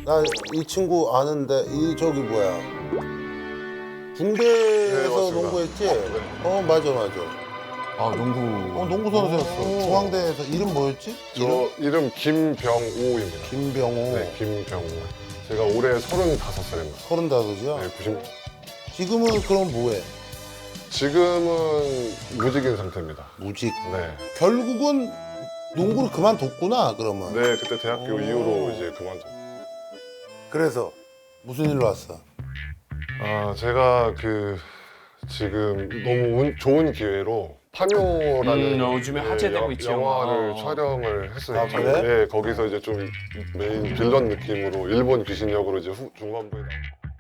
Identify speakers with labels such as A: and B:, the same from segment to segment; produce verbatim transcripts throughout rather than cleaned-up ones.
A: 나 이 친구 아는데 이 저기 뭐야
B: 네,
A: 군대에서
B: 맞습니다.
A: 농구했지? 어 맞아 맞아.
C: 아 농구.
A: 어 농구 선수였어. 중앙대에서 이름 뭐였지?
B: 저 이름 김병우입니다.
A: 김병호.
B: 네, 김병우. 제가 올해 서른다섯 살입니다.
A: 서른다섯이야.
B: 네, 구십.
A: 지금은 그럼 뭐해?
B: 지금은 무직인 상태입니다.
A: 무직.
B: 네.
A: 결국은 농구를 그만뒀구나 그러면.
B: 네, 그때 대학교
A: 오.
B: 이후로 이제 그만뒀.
A: 그래서 무슨 일로 왔어?
B: 아, 제가 그 지금 너무 운, 좋은 기회로 파묘라는
C: 음, 요즘에 화제되고
B: 여-
C: 있죠.
B: 영화를
C: 어.
B: 촬영을 했어요.
A: 아, 그래?
B: 네, 거기서 이제 좀 메인 빌런 느낌으로 일본 귀신 역으로 이제 후, 중반부에 나.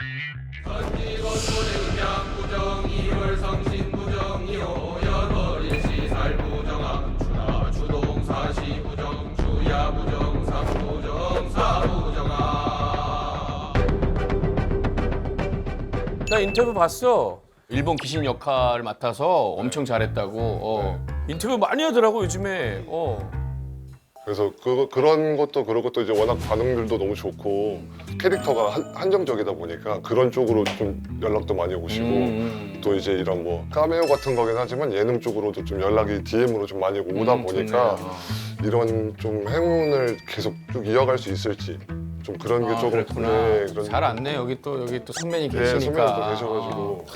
C: 나 인터뷰 봤어. 일본 귀신 역할을 맡아서 엄청 잘했다고. 어. 인터뷰 많이 하더라고 요즘에. 어.
B: 그래서 그, 그런 것도 그렇고 또 이제 워낙 반응들도 너무 좋고 캐릭터가 한, 한정적이다 보니까 그런 쪽으로 좀 연락도 많이 오시고
C: 음.
B: 또 이제 이런 뭐 카메오 같은 거긴 하지만 예능 쪽으로도 좀 연락이 디엠으로 좀 많이 오다
C: 음,
B: 보니까
C: 좋네요.
B: 이런 좀 행운을 계속 쭉 이어갈 수 있을지 좀 그런 게
C: 아,
B: 조금
C: 그랬구나.
B: 네, 그런
C: 잘 안네. 여기 또 여기 또 선배님
B: 네,
C: 계시니까.
B: 선배님도 계셔가지고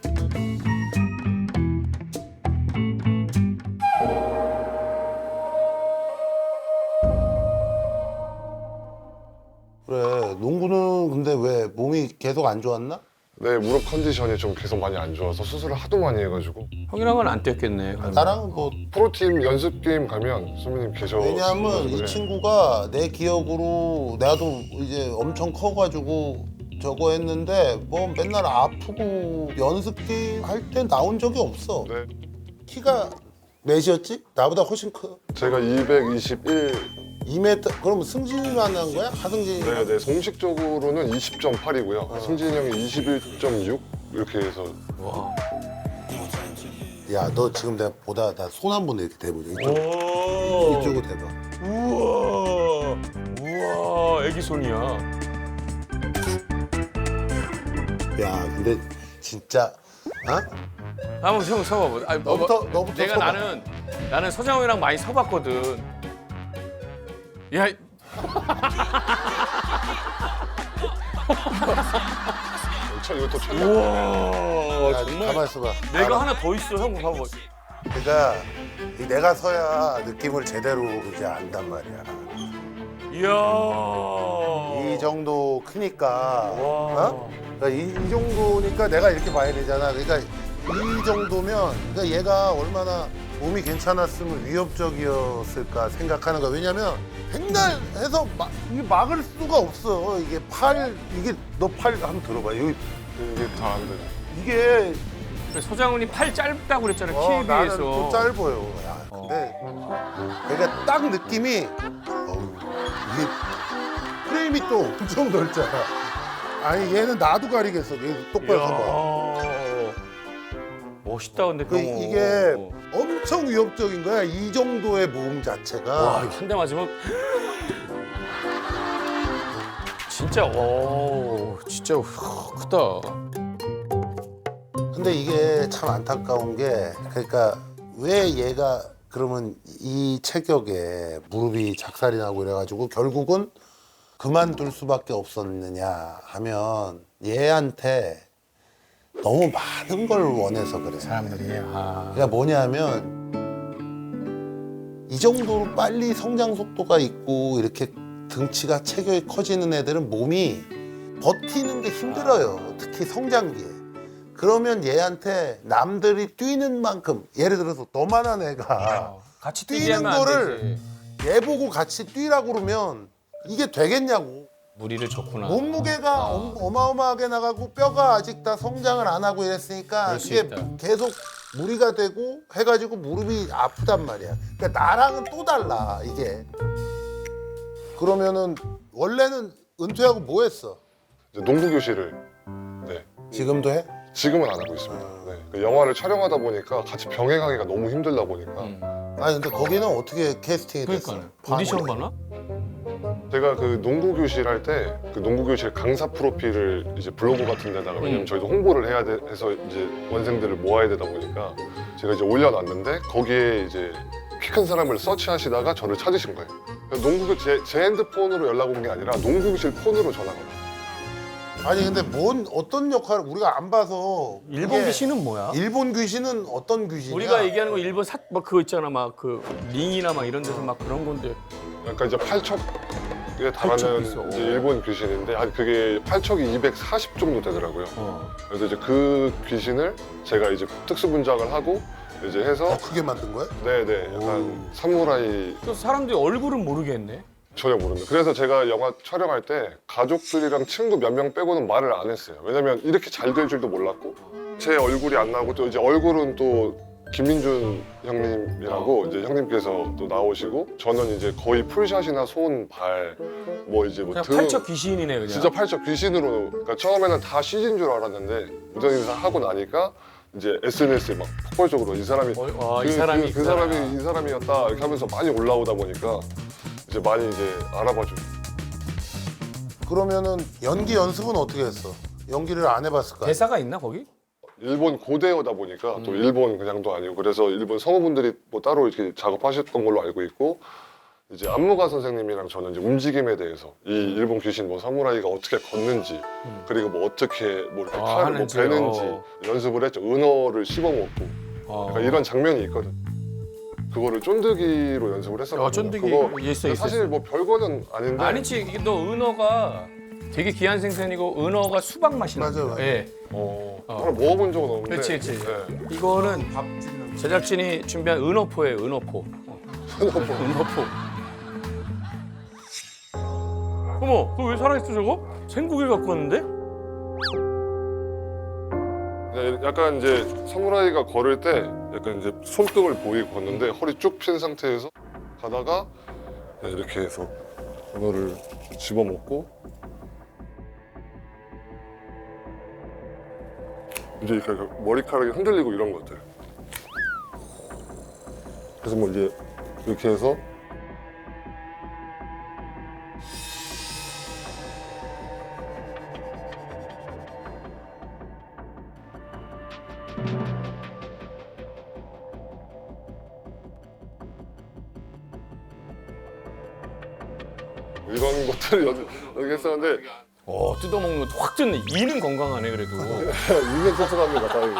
A: 그래 농구는 근데 왜 몸이 계속 안 좋았나?
B: 네 무릎 컨디션이 좀 계속 많이 안 좋아서 수술을 하도 많이 해가지고
C: 형이랑은 안 뛰었겠네.
A: 나랑은 뭐
B: 프로팀 연습 게임 가면 선배님 계셔
A: 왜냐하면 이
B: 네.
A: 친구가 내 기억으로 나도 이제 엄청 커가지고 저거 했는데 뭐 맨날 아프고 연습 게임 할 때 나온 적이 없어.
B: 네.
A: 키가 몇이었지? 나보다 훨씬 커.
B: 제가 이백이십일
A: 이 미터 그럼 승진이만 한 거야? 하승진이?
B: 네네 공식적으로는 이십 점 팔이고요 승진이 형이 이십일 점 육 이렇게 해서
C: 와.
A: 야 너 지금 내가 보다 나 손 한 번 이렇게 대보자. 이쪽,
C: 오.
A: 이쪽으로 대봐.
C: 우와. 우와. 애기 손이야.
A: 야 근데 진짜 어?
C: 한번 형 서봐. 아니, 뭐,
A: 너부터-
C: 뭐,
A: 너부터
C: 내가
A: 서봐.
C: 나는 나는 서장훈이랑 많이 서봤거든. 야. 이-
B: 천 이거 또 천.
C: 우와.
A: 야,
C: 정말.
A: 가만 있어봐.
C: 내가
A: 알아.
C: 하나 더 있어. 형 봐봐.
A: 그러니까 이 내가 서야 느낌을 제대로 이제 안단 말이야.
C: 이야.
A: 이 정도 크니까
C: 와.
A: 어? 그러니까 이, 이 정도니까 내가 이렇게 봐야 되잖아. 그러니까 이 정도면 그러니까 얘가 얼마나 몸이 괜찮았으면 위협적이었을까 생각하는 거야. 왜냐면 맨날 해서 막, 이게 막을 수가 없어. 이게 팔 이게 너 팔 한번 들어봐. 여기
B: 이게 다 안 되네
A: 이게
C: 서장훈이 팔 짧다고 그랬잖아.
A: 어,
C: 키에
A: 나는
C: 비해서.
A: 또 짧아요. 야, 근데 그러니까 딱 느낌이 어우, 이게 프레임이 또 엄청 넓잖아. 아니 얘는 나도 가리겠어. 얘 똑바로 서봐.
C: 이야. 멋있다 근데
A: 그
C: 병호.
A: 이게 엄청 위협적인 거야. 이 정도의 모음 자체가.
C: 와, 한 대 맞으면 진짜 오, 진짜 크다.
A: 근데 이게 참 안타까운 게 그러니까 왜 얘가 그러면 이 체격에 무릎이 작살이 나고 이래가지고 결국은 그만둘 수밖에 없었느냐 하면 얘한테 너무 많은 걸 원해서 그래.
C: 사람들이 아.
A: 그러니까 뭐냐면 이 정도로 빨리 성장 속도가 있고 이렇게 등치가 체격이 커지는 애들은 몸이 버티는 게 힘들어요. 특히 성장기에. 그러면 얘한테 남들이 뛰는 만큼 예를 들어서 너만한 애가
C: 같이
A: 뛰는
C: 뛰게 하면 안
A: 거를
C: 되지.
A: 얘 보고 같이 뛰라고 그러면 이게 되겠냐고.
C: 무리를 줬구나.
A: 몸무게가 엄- 어마어마하게 나가고 뼈가 아직 다 성장을 안 하고 이랬으니까
C: 그럴 수
A: 이게
C: 있다.
A: 계속 무리가 되고 해가지고 무릎이 아프단 말이야. 그러니까 나랑은 또 달라 이게. 그러면은 원래는 은퇴하고 뭐 했어?
B: 이제 농구 교실을 네
A: 지금도 해?
B: 지금은 안 하고 있습니다. 네. 그 영화를 촬영하다 보니까 같이 병행하기가 너무 힘들다 보니까
C: 음.
A: 아니 근데 거기는 어떻게 캐스팅이 됐어?
C: 그러니까 오디션 봐나?
B: 제가 그 농구 교실 할 때 그 농구 교실 강사 프로필을 이제 블로그 같은 데다가 왜냐면
C: 음.
B: 저희도 홍보를 해야 돼 해서 이제 원생들을 모아야 되다 보니까 제가 이제 올려놨는데 거기에 이제 키 큰 사람을 서치하시다가 저를 찾으신 거예요. 그러니까 농구 제, 제 핸드폰으로 연락 온 게 아니라 농구 교실 폰으로 전화가 와요.
A: 아니 근데 뭔 어떤 역할을 우리가 안 봐서
C: 일본
A: 그게-
C: 귀신은 뭐야?
A: 일본 귀신은 어떤 귀신이야?
C: 우리가 얘기하는 거 일본 삿뭐 그거 있잖아 막 그 링이나 막 이런 데서 막 그런 건데
B: 약간 이제 팔척에
C: 팔척
B: 달하는
C: 있어.
B: 이제 일본 귀신인데 한 그게 팔척이 이백사십 정도 되더라고요.
C: 어.
B: 그래서 이제 그 귀신을 제가 이제 특수 분장을 하고 이제 해서
A: 더 크게 만든 거야?
B: 네네 약간
A: 오.
B: 사무라이
C: 또 사람들이 얼굴은 모르겠네.
B: 전혀 모릅니다. 그래서 제가 영화 촬영할 때 가족들이랑 친구 몇 명 빼고는 말을 안 했어요. 왜냐면 이렇게 잘 될 줄도 몰랐고 제 얼굴이 안 나오고 또 이제 얼굴은 또 김민준 형님이라고 이제 형님께서 또 나오시고 저는 이제 거의 풀샷이나 손, 발, 뭐 이제 뭐
C: 그냥
B: 등
C: 팔척 귀신이네 그냥.
B: 진짜 팔척 귀신으로 그러니까 처음에는 다 씨지인 줄 알았는데 무전 인사 하고 나니까 이제 에스엔에스에 막 폭발적으로 이 사람이
C: 어, 와,
B: 그,
C: 이 사람이
B: 그, 그
C: 있구나.
B: 사람이 이 사람이었다 이렇게 하면서 많이 올라오다 보니까 이제 많이 이제 알아봐주고
A: 그러면은 연기 연습은 어떻게 했어? 연기를 안 해봤을 거야?
C: 대사가 있나 거기?
B: 일본 고대어다 보니까 또
C: 음.
B: 일본 그냥도 아니고 그래서 일본 성우분들이 뭐 따로 이렇게 작업하셨던 걸로 알고 있고 이제 안무가 선생님이랑 저는 이제 움직임에 대해서 이 일본 귀신 뭐 사무라이가 어떻게 걷는지
C: 음.
B: 그리고 뭐 어떻게 뭐 이렇게
C: 아,
B: 칼을 뭐
C: 하는지,
B: 베는지
C: 어.
B: 연습을 했죠. 은어를 씹어먹고
C: 어.
B: 약간 이런 장면이 있거든. 그거를 쫀득이로 연습을 했었거든요.
C: 어, 쫀득이
B: 그거
C: 있어, 있어,
B: 사실
C: 있어.
B: 뭐 별거는 아닌데
C: 아니지 이게 너 은어가 되게 귀한 생선이고 은어가 수박 맛이 나.
A: 맞아, 맞아.
C: 예.
B: 어,
C: 어.
B: 정말 먹어본 적은 없는데
C: 그렇지, 그렇지.
B: 네.
C: 이거는 제작진이 준비한 은어포예요, 은어포. 어. 은어포. 어머, 그거 왜 살아있어 저거? 생고기 갖고 왔는데?
B: 네, 약간 이제 사무라이가 걸을 때 약간 이제 손등을 보이고 걷는데 허리 쭉 핀 상태에서 가다가 네, 이렇게 해서 은어를 집어먹고 이제 이렇게 머리카락이 흔들리고 이런 것들. 그래서 뭐 이제 이렇게 해서 이런 것들을 여기, 여기 했었는데
C: 어, 뜯어먹는 것도 확 뜯네. 이는 건강하네 그래도.
B: 이게 소소합니다 다행히.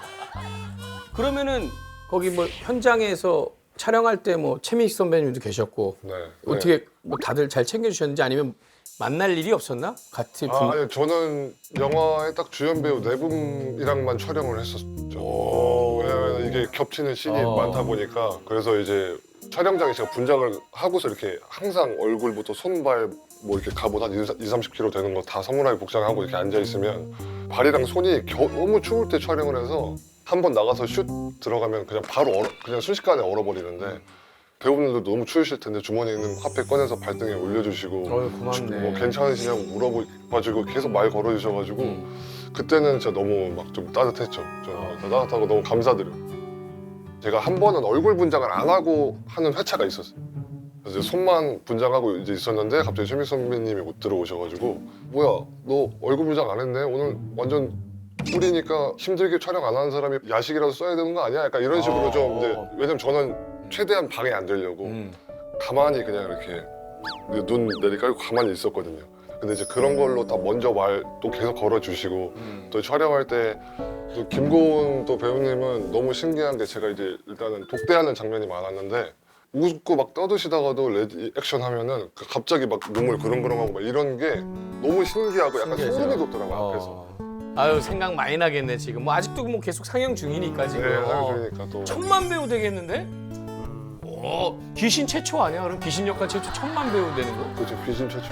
C: 그러면은 거기 뭐 현장에서 촬영할 때 뭐 최민식 선배님도 계셨고
B: 네.
C: 어떻게 뭐 다들 잘 챙겨주셨는지 아니면 만날 일이 없었나? 같이 분...
B: 아, 아니 저는 영화의 딱 주연 배우 네 분이랑만 촬영을 했었죠. 왜냐면 이게 겹치는 씬이
C: 어.
B: 많다 보니까 그래서 이제 촬영장에 제가 분장을 하고서 이렇게 항상 얼굴부터 손발 뭐 이렇게 갑옷 한 이삼십 킬로그램 되는 거 다 사무라이 복장하고 이렇게 앉아 있으면 발이랑 손이 겨, 너무 추울 때 촬영을 해서 한 번 나가서 슛 들어가면 그냥 바로 얼어, 그냥 순식간에 얼어버리는데 배우분들도 너무 추우실 텐데 주머니에 있는 화폐 꺼내서 발등에 올려주시고
C: 어휴, 고맙네.
B: 뭐 괜찮으시냐고 물어봐주고 계속 말 걸어주셔가지고
C: 음.
B: 그때는 진짜 너무 막 좀 따뜻했죠. 좀
C: 어.
B: 따뜻하고 너무 감사드려요. 제가 한 번은 얼굴 분장을 안 하고 하는 회차가 있었어요. 그래서 이제 손만 분장하고 이제 있었는데 갑자기 최민식 선배님이 못 들어오셔가지고 뭐야 너 얼굴 분장 안 했네? 오늘 완전 꿀이니까 힘들게 촬영 안 하는 사람이 야식이라도 써야 되는 거 아니야? 약간 이런 식으로
C: 어.
B: 좀 이제 왜냐면 저는 최대한 방해 안 되려고
C: 음.
B: 가만히 그냥 이렇게 눈 내리깔고 가만히 있었거든요. 근데 이제 그런 걸로 다 먼저 말 또 계속 걸어주시고
C: 음.
B: 또 촬영할 때 또 김고은 또 배우님은 너무 신기한 게 제가 이제 일단은 독대하는 장면이 많았는데 웃고 막 떠드시다가도 레디 액션 하면은 그 갑자기 막 눈물 그렁그렁하고 막 이런 게 너무 신기하고 약간
C: 신기하죠.
B: 소름이 돋더라고요 앞에서.
C: 어. 아유 생각 많이 나겠네 지금. 뭐 아직도 뭐 계속 상영 중이니까 지금.
B: 네,
C: 어.
B: 그러니까 또
C: 천만 배우 되겠는데? 어, 귀신 최초 아니야? 그럼 귀신 역할 최초 천만 배우 되는 거?
B: 그렇죠 귀신 최초.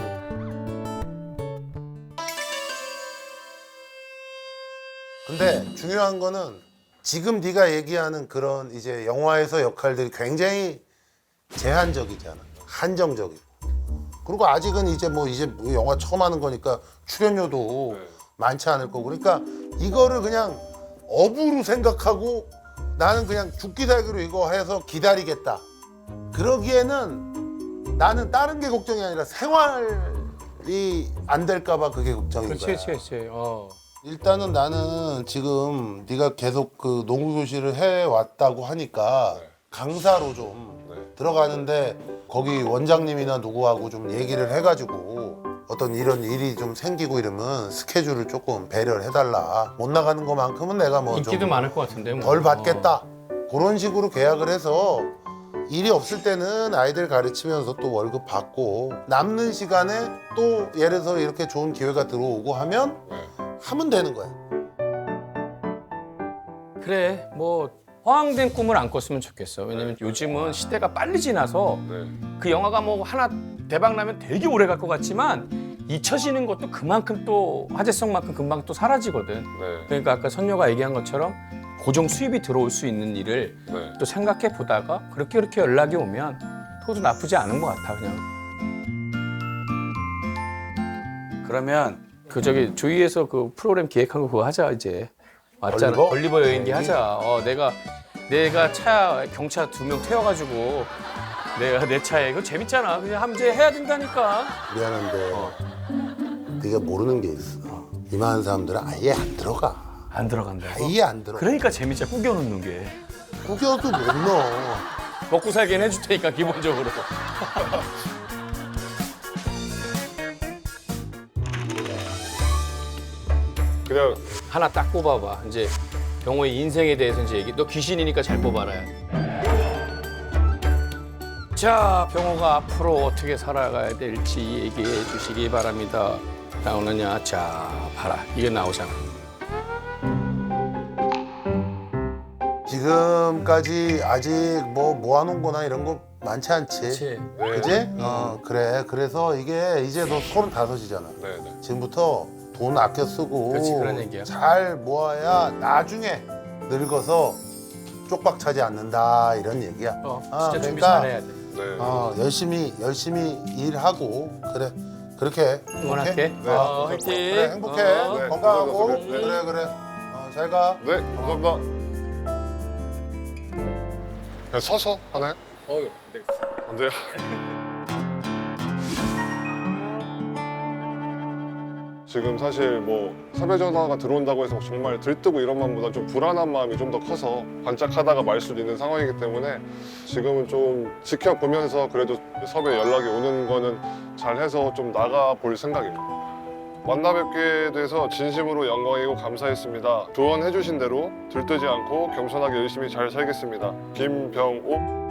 A: 근데 중요한 거는 지금 네가 얘기하는 그런 이제 영화에서 역할들이 굉장히 제한적이잖아. 한정적이고. 그리고 아직은 이제 뭐 이제 뭐 영화 처음 하는 거니까 출연료도
B: 네.
A: 많지 않을 거고. 그러니까 이거를 그냥 업으로 생각하고 나는 그냥 죽기 살기로 이거 해서 기다리겠다. 그러기에는 나는 다른 게 걱정이 아니라 생활이 안 될까봐 그게 걱정인
C: 그렇지,
A: 거야.
C: 그렇지, 그렇지. 어.
A: 일단은 나는 지금 네가 계속 그 농구 교실을 해 왔다고 하니까
B: 네.
A: 강사로 좀
B: 네.
A: 들어가는데 거기 원장님이나 누구하고 좀 얘기를 해가지고 어떤 이런 일이 좀 생기고 이러면 스케줄을 조금 배려를 해달라. 못 나가는 것만큼은 내가 뭐
C: 인기도
A: 좀
C: 많을 것 같은데. 뭐.
A: 덜 받겠다. 그런 식으로 계약을 해서 일이 없을 때는 아이들 가르치면서 또 월급 받고 남는 시간에 또 예를 들어서 이렇게 좋은 기회가 들어오고 하면
B: 네.
A: 하면 되는 거야.
C: 어. 그래, 뭐 허황된 꿈을 안 꿨으면 좋겠어. 왜냐면 요즘은 시대가 빨리 지나서
B: 네.
C: 그 영화가 뭐 하나 대박 나면 되게 오래 갈 것 같지만 잊혀지는 것도 그만큼 또 화제성만큼 금방 또 사라지거든.
B: 네.
C: 그러니까 아까 선녀가 얘기한 것처럼 고정 수입이 들어올 수 있는 일을
B: 네.
C: 또 생각해 보다가 그렇게 그렇게 연락이 오면 그것도 나쁘지 않은 것 같아 그냥. 그러면 그 저기 조이에서 그 프로그램 기획한 거 그거 하자 이제. 맞잖아.
A: 올리버?
C: 올리버 여행기 하자. 어 내가 내가 차 경차 두 명 태워가지고 내가 내 차에 이거 재밌잖아. 그냥 함재 해야 된다니까.
A: 미안한데
C: 어.
A: 네가 모르는 게 있어. 이만한 사람들은 아예 안 들어가.
C: 안 들어간다고.
A: 아예 안 들어가.
C: 그러니까 재밌자 꾸겨 놓는 게.
A: 구겨도 못 넣어.
C: 먹고 살긴 해줄 테니까 기본적으로.
B: 그냥
C: 하나 딱 뽑아봐. 이제 병호의 인생에 대해서 이제 얘기. 너 귀신이니까 잘 뽑아라. 자, 병호가 앞으로 어떻게 살아가야 될지 얘기해 주시기 바랍니다. 나오느냐? 자, 봐라. 이게 나오잖아.
A: 지금까지 아직 뭐 모아놓은 거나 이런 거 많지 않지.
C: 그렇지.
B: 네.
A: 그지? 어 그래. 그래서 이게 이제 너 서른다섯이잖아.
B: 네. 네.
A: 지금부터 돈 아껴 쓰고
C: 그렇지, 그런 얘기야.
A: 잘 모아야 나중에 늙어서 쪽박 차지 않는다 이런 얘기야.
C: 어,
A: 아,
C: 진짜 준비
A: 그러니까
C: 잘해야 돼.
B: 네.
A: 어, 열심히 열심히 일하고 그래 그렇게
C: 응원할게.
B: 네.
C: 어, 화이팅.
A: 그래 행복해
C: 어.
B: 네,
A: 건강하고
B: 감사합니다. 네.
A: 그래 그래 어, 잘 가.
B: 네, 감사합니다. 그냥 서서 하나요?
C: 어, 네.
B: 안 돼요? 지금 사실 뭐 섭외 전화가 들어온다고 해서 정말 들뜨고 이런 마음보다 좀 불안한 마음이 좀 더 커서 반짝하다가 말 수도 있는 상황이기 때문에 지금은 좀 지켜보면서 그래도 섭외 연락이 오는 거는 잘해서 좀 나가 볼 생각입니다. 만나 뵙게 돼서 진심으로 영광이고 감사했습니다. 조언해 주신 대로 들뜨지 않고 겸손하게 열심히 잘 살겠습니다. 김병호